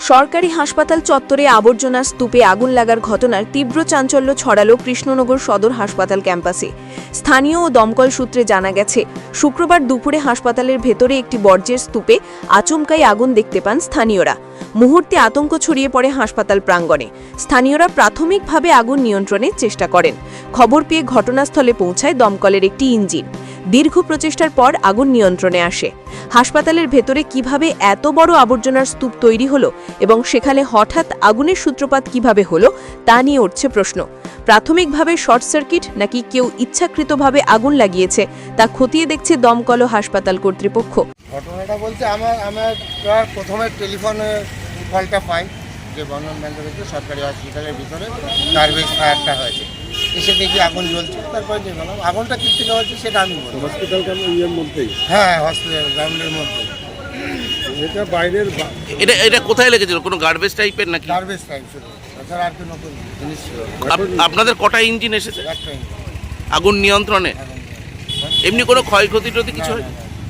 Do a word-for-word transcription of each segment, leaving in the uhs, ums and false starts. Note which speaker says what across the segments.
Speaker 1: সরকারি হাসপাতাল চত্বরে আবর্জনার স্তূপে আগুন লাগার ঘটনার তীব্র চাঞ্চল্য ছড়ালো কৃষ্ণনগর সদর হাসপাতাল ক্যাম্পাসে। স্থানীয় ও দমকল সূত্রে জানা গেছে, শুক্রবার দুপুরে হাসপাতালের ভেতরে একটি বর্জ্যের স্তূপে আচমকাই আগুন দেখতে পান স্থানীয়রা। মুহূর্তে আতঙ্ক ছড়িয়ে পড়ে হাসপাতাল প্রাঙ্গণে। স্থানীয়রা প্রাথমিকভাবে আগুন নিয়ন্ত্রণের চেষ্টা করেন। খবর পেয়ে ঘটনাস্থলে পৌঁছায় দমকলের একটি ইঞ্জিন। দীর্ঘ প্রচেষ্টার পর আগুন নিয়ন্ত্রণে আসে। হাসপাতালের ভেতরে কিভাবে এত বড় আবর্জনার স্তূপ তৈরি হলো এবং সেখানে হঠাৎ আগুনের সূত্রপাত কিভাবে হলো তা নিয়ে উঠছে প্রশ্ন। প্রাথমিকভাবে শর্ট সার্কিট নাকি কেউ ইচ্ছাকৃতভাবে আগুন লাগিয়েছে তা খতিয়ে দেখছে দমকল ও হাসপাতাল কর্তৃপক্ষ।
Speaker 2: ঘটনাটা বলতে আমার আমার প্রথমে টেলিফোনে কলটা পাই যে বন্ধন ব্যাংকের ভিতরে সরকারি হসপিটালের ভিতরে গার্বেজ ফায়ারটা হয়েছে। এসে দেখি আগুন জ্বলছে, তারপরে যে বললাম আগুনটা কী থেকে হয়েছে সেটা আমি বলবো।
Speaker 3: হসপিটালটা ইয়ের মধ্যেই?
Speaker 2: হ্যাঁ, হসপিটাল গ্রাউন্ডের মধ্যে।
Speaker 3: এটা বাইরের
Speaker 4: এটা এটা কোথায় লেগেছিল? কোনো গার্বেজ টাইপের নাকি?
Speaker 2: গার্বেজ টাইপ শুধু, তাছাড়া আর কি নতুন জিনিস ছিল।
Speaker 4: আপ- আপনাদের কটা ইঞ্জিন এসেছে
Speaker 2: একটা
Speaker 4: আগুন নিয়ন্ত্রণে? এমনি কোনো ক্ষয়ক্ষতি টতি কিছু হয়?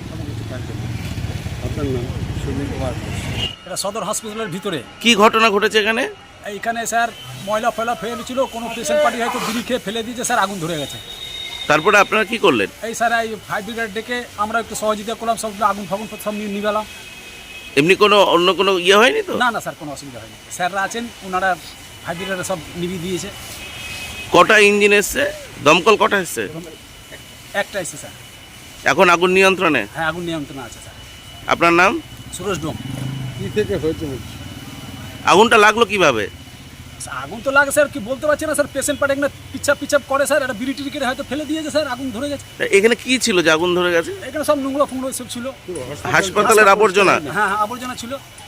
Speaker 3: আপনার নাম?
Speaker 2: সুনীল কুমার।
Speaker 5: এটা সদর হসপিটালের ভিতরে।
Speaker 4: কি ঘটনা ঘটেছে এখানে?
Speaker 5: এইখানে স্যার ময়লা ফয়লা ফেলেছিল, কোনো পেশেন্ট পার্টি হয়তো বিড়ি খেয়ে ফেলে দিয়েছে স্যার, আগুন ধরে গেছে।
Speaker 4: তারপরে আপনারা কি করলেন?
Speaker 5: এই স্যার এই ফায়ার ব্রিগেড ডেকে আমরা একটু সহযোগিতা করলাম, সব আগুন ফাগুন সব নিয়ে নিবেলাম।
Speaker 4: এমনি কোনো অন্য কোনো ইয়ে হয়নি তো?
Speaker 5: না না স্যার, কোনো অসুবিধা হয়নি। স্যাররা আছেন, ওনারা ফায়ার ব্রিগেডে সব নিভিয়ে দিয়েছে।
Speaker 4: কটা ইঞ্জিন এসছে? দমকল কটা এসছে?
Speaker 5: একটা এসছে স্যার।
Speaker 4: এখন আগুন নিয়ন্ত্রণে?
Speaker 5: হ্যাঁ, আগুন নিয়ন্ত্রণে আছে স্যার।
Speaker 4: আপনার নাম?
Speaker 5: সুরজ ডোম।
Speaker 3: কি থেকে হয়েছে বলছি?
Speaker 4: আগুনটা লাগলো কিভাবে?
Speaker 5: আগুন তো লাগে স্যার, কি বলতে পারছি না স্যার। পেশেন্ট পার্টি এখানে পিছাপ পিছাপ করে স্যার, একটা বিড়ি টিড়ি কেটে হয়তো ফেলে দিয়েছে স্যার, আগুন ধরে গেছে।
Speaker 4: এখানে কি ছিল যে আগুন ধরে গেছে?
Speaker 5: এখানে সব নোংরা ফুংরা সব ছিল।
Speaker 4: হাসপাতালের আবর্জনা?
Speaker 5: হ্যাঁ হ্যাঁ, আবর্জনা ছিল।